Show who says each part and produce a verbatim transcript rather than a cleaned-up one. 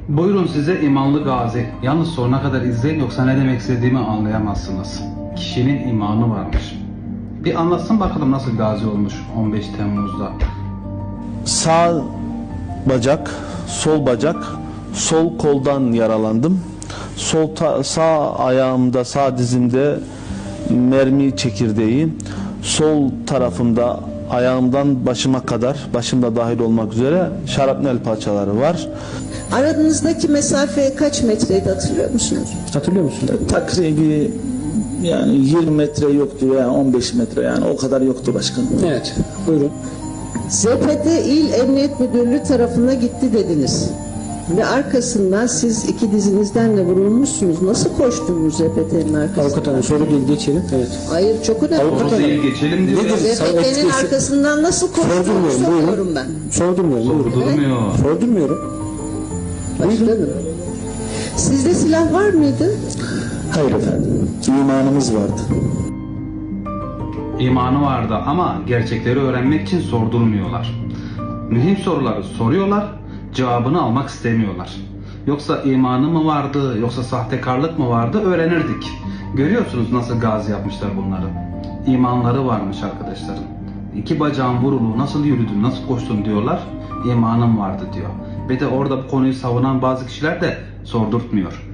Speaker 1: Buyurun size imanlı gazi. Yalnız sonuna kadar izleyin yoksa ne demek istediğimi anlayamazsınız. Kişinin imanı varmış. Bir anlatsın bakalım nasıl gazi olmuş on beş Temmuz'da.
Speaker 2: Sağ bacak, sol bacak, sol koldan yaralandım. Sol ta- sağ ayağımda, sağ dizimde mermi çekirdeği, sol tarafımda ayağımdan başıma kadar, başımda dahil olmak üzere şarapnel parçaları var.
Speaker 3: Aranızdaki mesafe kaç metreydi hatırlıyor musunuz?
Speaker 4: Hatırlıyor musun? Takribi yani yirmi metre yoktu yani on beş metre yani o kadar yoktu başkanım.
Speaker 5: Evet, buyurun.
Speaker 3: Z P T İl Emniyet Müdürlüğü tarafına gitti dediniz. Ve arkasından siz iki dizinizden de vurulmuşsunuz. Nasıl koştunuz Z P T'nin arkasından?
Speaker 5: Avukat hanım soru değil, geçelim. Evet.
Speaker 3: Hayır, çok önemli.
Speaker 5: Avukat
Speaker 1: Soru değil, geçelim diyor.
Speaker 5: Nedir?
Speaker 3: Z P T'nin arkasından nasıl koştuğunu
Speaker 5: Sordurmuyorum,
Speaker 3: soruyorum
Speaker 5: buyurun.
Speaker 3: ben.
Speaker 5: Sordurmuyorum, buyurun.
Speaker 1: Sordurmuyor.
Speaker 5: Sordurmuyorum.
Speaker 3: Başkanım. Sizde silah var mıydı?
Speaker 4: Hayır efendim. İmanımız vardı.
Speaker 1: İmanı vardı ama gerçekleri öğrenmek için sordurmuyorlar. Mühim soruları soruyorlar, cevabını almak istemiyorlar. Yoksa imanı mı vardı, yoksa sahtekarlık mı vardı öğrenirdik. Görüyorsunuz nasıl gazi yapmışlar bunları. İmanları varmış arkadaşlarım. İki bacağın vurulu, nasıl yürüdün, nasıl koştun diyorlar. İmanım vardı diyor. Ve de orada bu konuyu savunan bazı kişiler de sordurtmuyor.